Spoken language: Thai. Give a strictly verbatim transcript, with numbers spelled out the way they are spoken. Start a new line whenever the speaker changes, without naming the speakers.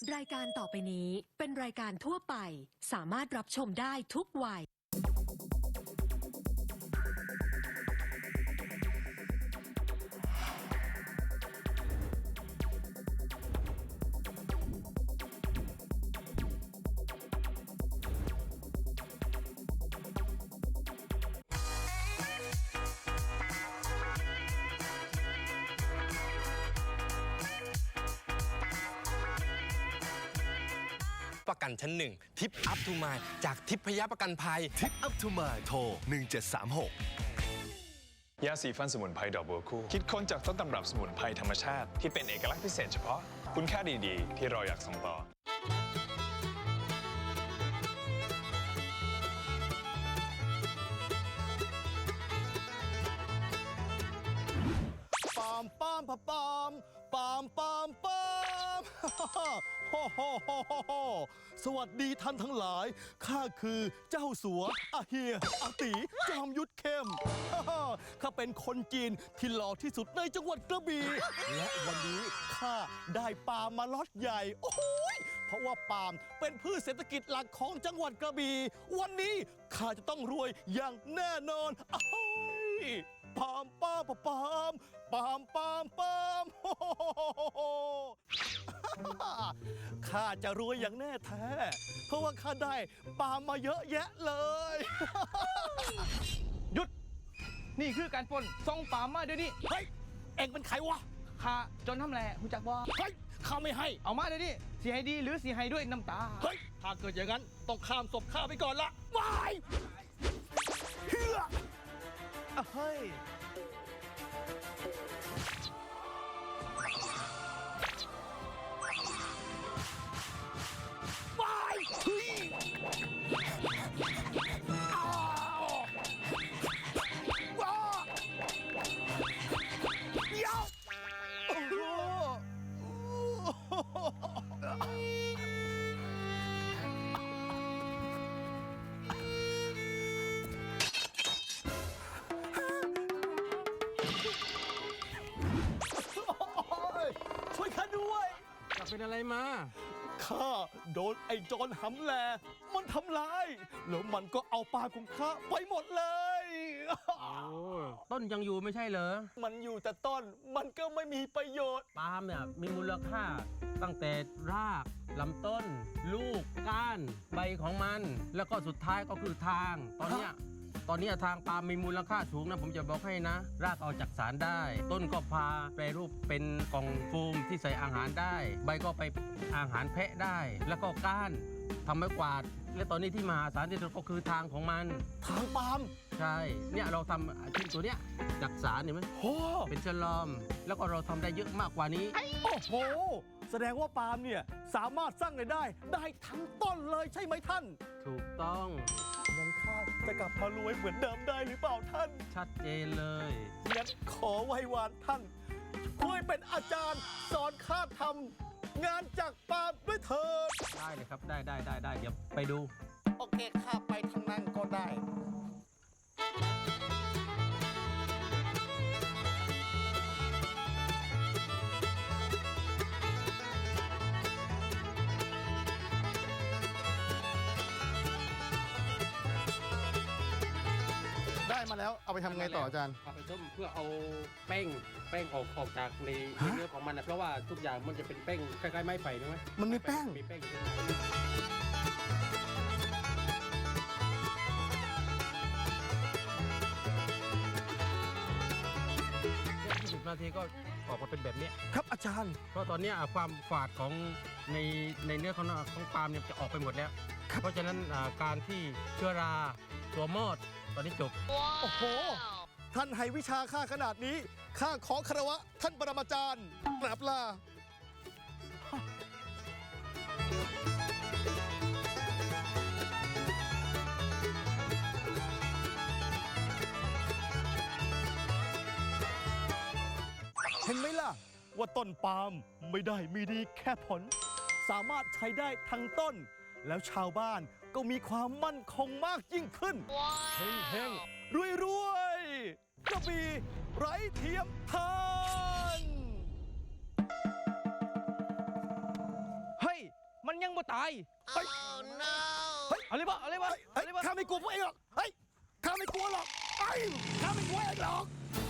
รายการต่อไปนี้เป็นรายการทั่วไปสามารถรับชมได้ทุกวัย
ประกันชั้นหนึ่งทิปอัพทูมายจากทิพยประกันภัย
ทิปอัพทูมายโทรหนึ่งเจ็ดสามหก
ยาสีฟันสมุนไพรดอกบัวคู่คิดค้นจากต้นตำรับสมุนไพรธรรมชาติที่เป็นเอกลักษณ์พิเศษเฉพาะคุณค่าดีๆที่เราอยากส่งต่อ
ปามปามปามปามปามปามปามโฮโฮโฮโฮสวัสดีท่านทั้งหลายข้าคือเจ้าสัวอาเฮียอาตีจอมยุทธเข้มข้าเป็นคนจีนที่หล่อที่สุดในจังหวัดกระบี่และวันนี้ข้าได้ปาล์มมาล็อตใหญ่โอ้ยเพราะว่าปาล์มเป็นพืชเศรษฐกิจหลักของจังหวัดกระบี่วันนี้ข้าจะต้องรวยอย่างแน่นอนอ้ายปามปามปามปามปามปามโอ้โหข้าจะรวยอย่างแน่แท้เพราะว่าข้าได้ปามมาเยอะแยะเลย
หยุดนี่คือการปล้นส่งปามมาเดี๋ยวนี้
เฮ้ยเอ็งเป็นใครวะ
ข้าจนทำแหล่หูจักบ่
เฮ้ยข้าไม่ให้
เอามาเดี๋ยวนี้สีให้ดีหรือสีให้ด้วยน้ำตา
เฮ้ยถ้าเกิดอย่างนั้นต้องข้ามศพข้าไปก่อนละวายเฮือเฮ้ยช่วยข้าด้วย
จะเป็นอะไรมา
ข้าโดนไอ้โจรหำแลมันทำร้ายแล้วมันก็เอาปลาของข้าไปหมดเลย
โอ้ต้นยังอยู่ไม่ใช่เหรอ
มันอยู่แต่ต้นมันก็ไม่มีประโยชน์
ปาล์มเนี่ยมีมูลค่าตั้งแต่รากลำต้นลูกก้านใบของมันแล้วก็สุดท้ายก็คือทางตอนเนี้ยตอนนี้ทางปาล์มมีมูลค่าสูงนะผมจะบอกให้นะรากเอาจากสารได้ต้นก็พาแปรรูปเป็นกล่องโฟมที่ใส่อาหารได้ใบก็ไปอาหารแพะได้แล้วก็ก้านทำไม้กวาดและตอนนี้ที่มหาศาลที่สุดก็คือทางของมัน
ทางปาล์ม
ใช่เนี่ยเราทำชิ้นตัวเนี้ยจากสารเห็นไหม
โอ้
เป็นฉลอมแล้วก็เราทำได้เยอะมากกว่านี้
โอ้โหแสดงว่าปาล์มเนี่ยสามารถสร้างรายได้ได้ทั้งต้นเลยใช่ไหมท่าน
ถูกต้อง
งั้นข้าจะกลับมารวยเหมือนเดิมได้หรือเปล่าท่าน
ชัดเจนเลย
งั้นขอไหว้วานท่านช่วยเป็นอาจารย์สอนข้าทำงานจากปาล์มด้วยเถิด
ได้เลยครับได้ได้ได้ได้เดี๋ยวไปดู
โอเคข้าไปทางนั้นก็ได้ได้มาแล้วเอาไปทำไงต่ออาจารย์
เอาไปต้มเพื่อเอาแป้งแป้งออกออกจากในเนื้อของมันนะเพราะว่าทุกอย่างมันจะเป็นแป้งคล้ายๆไม้ไผ่ใช่ไหม
มันมีแป้ง
มีแป้งยี่สิบนาทีก็ออกมาเป็นแบบนี้
ครับอาจารย์
เพราะตอนนี้ความฝาดของในในเนื้อของของปาล์มเนี่ยจะออกไปหมดแล้วเพราะฉะนั้นการที่เชื้อราตัวมอดตอนนี้จบ
โอ้โหท่านให้วิชาข้าขนาดนี้ข้าขอคารวะท่านปรมาจารย์กราบลาเห็นไหมล่ะว่าต้นปาล์มไม่ได้มีดีแค่ผลสามารถใช้ได้ทั้งต้นแล้วชาวบ้านก็มีความมั่นคงมากยิ่งขึ้นเฮ้งเฮงรวยรวยกระบี่ไร้เทียมทานเฮ้ย
ยังบ่ตาย
เฮ้ย เฮ้ย
เอาเลยบ่เอาเลยบ่
เฮ้ย
เอาเลยบ่
ข้าไม่กลัวพวกเองหรอก เฮ้ย ข้าไม่กลัวหรอกเฮ้ยข้าไม่กลัวเองหรอก